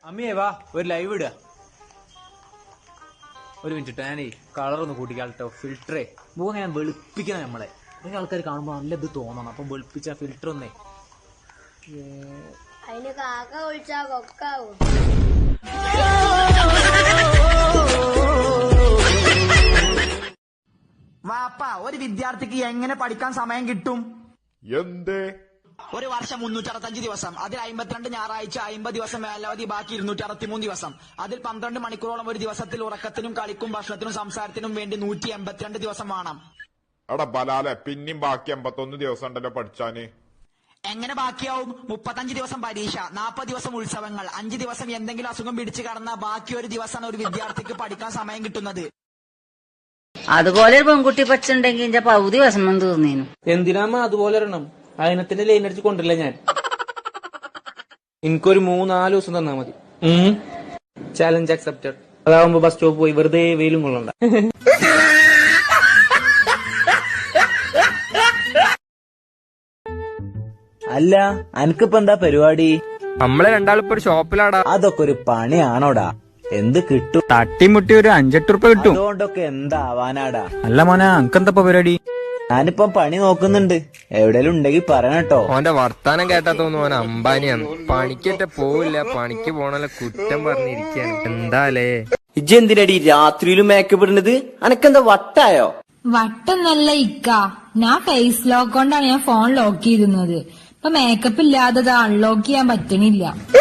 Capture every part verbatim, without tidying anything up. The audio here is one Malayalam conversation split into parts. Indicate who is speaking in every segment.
Speaker 1: അമ്മയെ വാ ഒരു ലൈവ് ഇടുക. ഒരു മിനിറ്റ് ഞാനേ കളറൊന്ന് കൂട്ടിക്കാട്ടോ. ഫിൽറ്ററേ മൂന്ന് ഞാൻ വെളുപ്പിക്കണം നമ്മളെ. കുറെ ആൾക്കാർ കാണുമ്പോൾ നല്ല ഇത് തോന്നണം. അപ്പം വെളുപ്പിച്ച ഫിൽറ്റർ ഒന്നേ
Speaker 2: അതിന് കാക്ക വിളിച്ചാ കൊക്കാവും.
Speaker 3: വാപ്പ ഒരു വിദ്യാർത്ഥിക്ക് എങ്ങനെ പഠിക്കാൻ സമയം കിട്ടും?
Speaker 4: എന്തേ?
Speaker 3: ഒരു വർഷം മുന്നൂറ്റി അറുപത്തഞ്ച് ദിവസം, അതിൽ അമ്പത്തിരണ്ട് ഞായറാഴ്ച, അമ്പത് ദിവസം മേലവധി, ബാക്കി ഇരുന്നൂറ്റി അറുപത്തിമൂന്ന് ദിവസം. അതിൽ പന്ത്രണ്ട് മണിക്കൂറോളം ഒരു ദിവസത്തിൽ ഉറക്കത്തിനും കളിക്കും ഭക്ഷണത്തിനും സംസാരത്തിനും വേണ്ടി നൂറ്റി എൺപത്തിരണ്ട് ദിവസം വേണം.
Speaker 4: എടാ ബലാലെ, പിന്നെയും ബാക്കി എൺപത്തൊന്ന് ദിവസം ഉണ്ടല്ലോ പഠിച്ചാന്.
Speaker 3: എങ്ങനെ ബാക്കിയാവും? മുപ്പത്തഞ്ച് ദിവസം പരീക്ഷ, നാൽപ്പത് ദിവസം ഉത്സവങ്ങൾ, അഞ്ച് ദിവസം എന്തെങ്കിലും അസുഖം പിടിച്ചു കടന്ന ബാക്കി ഒരു ദിവസമാണ് ഒരു വിദ്യാർത്ഥിക്ക് പഠിക്കാൻ സമയം കിട്ടുന്നത്.
Speaker 5: അതുപോലെ ഒരു പെൺകുട്ടി പച്ചുണ്ടെങ്കിൽ എന്റെ പകുതി വിഷമം തീർന്നേനു.
Speaker 1: എന്തിനാമ്മ അതുപോലെ ഇടണം? അതിനത്തിന്റെ ലൈൻ അടിച്ച് കൊണ്ടില്ല ഞാൻ. എനിക്കൊരു മൂന്നാല് ദിവസം തന്നാ മതി. Challenge accepted. അതാവുമ്പോ ബസ് സ്റ്റോപ്പ് പോയി വെറുതെ വെയിലും കൊള്ളണ്ട.
Speaker 6: അല്ല അനക്കിപ്പോ എന്താ പരിപാടി?
Speaker 7: നമ്മളെ രണ്ടാളിപ്പോ ഒരു ഷോപ്പിലാടാ.
Speaker 6: അതൊക്കെ ഒരു പണിയാണോടാ? എന്ത് കിട്ടും?
Speaker 7: തട്ടിമുട്ടി ഒരു അഞ്ചെട്ട് റുപ്യ കിട്ടും.
Speaker 6: അതുകൊണ്ടൊക്കെ എന്താവാനാടാ?
Speaker 7: അല്ല മോനെ, അനക്കെന്താ പരിപാടി?
Speaker 6: ഞാനിപ്പം പണി നോക്കുന്നുണ്ട്. എവിടെലും ഉണ്ടെങ്കിൽ പറയണട്ടോ.
Speaker 7: ഓന്റെ വർത്താനം കേട്ടാ തോന്നുന്നു ഓൻ അംബാനിയാണ്. പണിക്കേറ്റ പോവില്ല, പണിക്ക് പോണല്ല കുറ്റം പറഞ്ഞിരിക്കാണ്. എന്താലേ
Speaker 6: ഇജ്ജ് എന്തിനടി രാത്രിയിലും മേക്കപ്പ് ഇടുന്നത്? അനക്കെന്താ വട്ടായോ?
Speaker 8: വട്ടൊന്നല്ല ഇക്ക, ഞാൻ ഫേസ് ലോക്ക് കൊണ്ടാണ് ഞാൻ ഫോൺ ലോക്ക് ചെയ്തിരുന്നത്. ഇപ്പൊ മേക്കപ്പ് ഇല്ലാതെ അൺലോക്ക് ചെയ്യാൻ പറ്റണില്ല.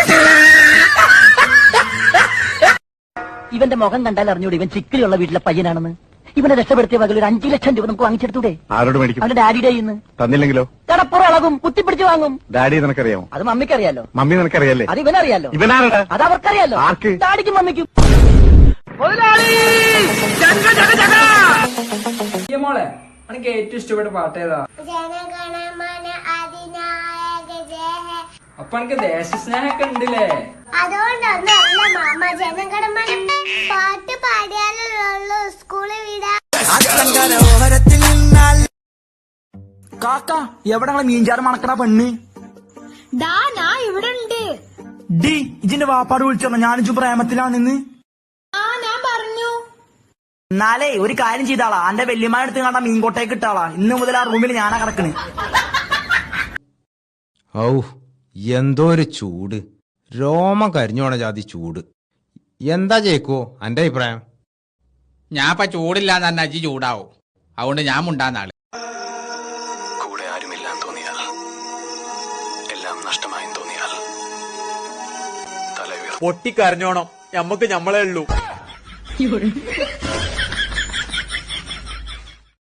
Speaker 9: ഇവന്റെ മുഖം കണ്ടാൽ അറിഞ്ഞൂടെ ഇവൻ ചിക്കിലുള്ള വീട്ടിലെ പയ്യനാണെന്ന്. ഇവനെ രക്ഷപ്പെടുത്തിയ വകയിൽ ഒരു അഞ്ചു ലക്ഷം രൂപ നമുക്ക് വാങ്ങിച്ചെടുത്തൂടെ?
Speaker 10: ആരോട് മേടിക്കും?
Speaker 9: അവന്റെ ഡാഡിയുടെ ഇന്ന്
Speaker 10: തന്നില്ലെങ്കിലോ?
Speaker 9: കടപ്പുറം ഇളകും, കുത്തിപ്പിടിച്ച് വാങ്ങും.
Speaker 10: ഡാഡി നിനക്കറിയാമോ?
Speaker 9: അത് മമ്മിക്കറിയാലോ.
Speaker 10: മമ്മി നിനക്കറിയാലേ?
Speaker 9: അത് ഇവനറിയാലോ.
Speaker 10: ഇവനാരുടെ?
Speaker 9: അത് അവർക്കറിയാലോ.
Speaker 10: ആർക്ക്?
Speaker 9: ഡാഡിക്കും മമ്മിക്കും.
Speaker 1: മോളെ എനിക്ക് ഏറ്റവും ഇഷ്ടപ്പെട്ട പാട്ട് ഏതാ?
Speaker 2: ജനഗണമന അതിനായക ജയ.
Speaker 1: അപ്പൊ എനിക്ക് ദേശസ്നേഹമൊക്കെ ഉണ്ടല്ലേ?
Speaker 2: അതുകൊണ്ടൊന്നല്ല മാമ, ജനഗണമന പാട്ട് പാടിയാലുള്ളൂ സ്കൂളിൽ വിടാ.
Speaker 3: കാക്ക എവിടെ മീൻചാറ് മണക്കണ പെണ്ണ്?
Speaker 8: ഡാ ഞാൻ ഇവിടെ ഉണ്ട്.
Speaker 3: ഡി ഇജിന്റെ വാപ്പാട് വിളിച്ചോ ഞാനിജു പ്രേമത്തിലാണെന്ന്.
Speaker 8: ആ ഞാൻ പറഞ്ഞു.
Speaker 3: എന്നാലേ ഒരു കാര്യം ചെയ്താളാ, എന്റെ വല്യമാരെടുത്ത് കണ്ട മീൻകോട്ടേക്ക് ഇട്ടാളാ. ഇന്ന് മുതൽ ആ റൂമിൽ ഞാനാ കിടക്കണ്.
Speaker 11: ഔ എന്തോ ഒരു ചൂട്, രോമം കരിഞ്ഞോണ ജാതി ചൂട്. എന്താ ചേക്കോ എന്റെ അഭിപ്രായം?
Speaker 12: ഞാൻ ഇപ്പൊ ചൂടില്ലാന്ന് തന്നെ അജി ചൂടാവും. അതുകൊണ്ട് ഞാൻ മുണ്ടാന്നാള്.
Speaker 13: കൂടെ ആരുമില്ലാന്ന് തോന്നിയാൽ, എല്ലാം നഷ്ടമായെന്ന് തോന്നിയാൽ തല
Speaker 1: പൊട്ടിക്കരഞ്ഞോണം. ഞമ്മക്ക് ഞമ്മളേ ഉള്ളൂ.